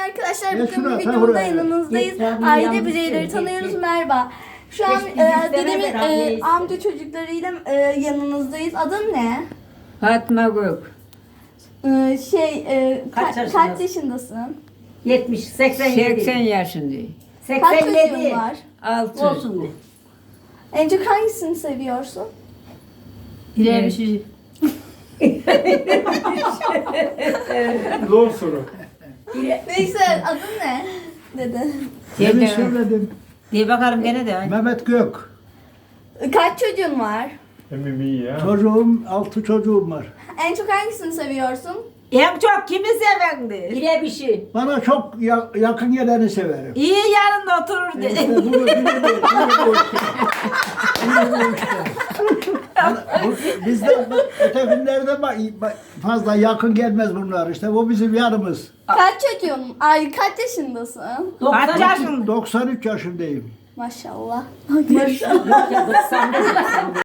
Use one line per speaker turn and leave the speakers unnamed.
arkadaşlar.
Ya
Bugün
şuna,
bir
sen
videoda
buraya.
yanınızdayız.
Tabii,
Aile
yanlış
bireyleri
söylüyor.
tanıyoruz. Merhaba. Şu an
Biz istemez
dedemin
herhalde.
amca çocuklarıyla yanınızdayız. Adın ne?
Fatma Gök.
Kaç
Kaç
yaşındasın?
yaşındasın?
70, 87.
80 yaşındayım.
Kaç çocuğun
87.
var?
6.
Olsun mu?
En çok hangisini seviyorsun?
Bire bir şey.
Zor soru.
Neyse adın ne? Dede.
Demin söyledim.
Diye bakarım gene de.
Mehmet Gök.
Kaç çocuğun var?
Emmim iyi ya.
Çocuğum, 6 çocuğum var.
En çok hangisini seviyorsun?
En çok kimi sevendi?
Bire bir şey.
Bana çok yakın geleni severim.
İyi yanında otururdu.
İşte bunu bu işte. Bizde ötekilerde fazla yakın gelmez bunlar işte. Bu bizim yanımız.
Kaç çocuğun? Ay kaç yaşındasın?
Kaç yaşında?
93 yaşındayım.
Maşallah.
Yok ya 95.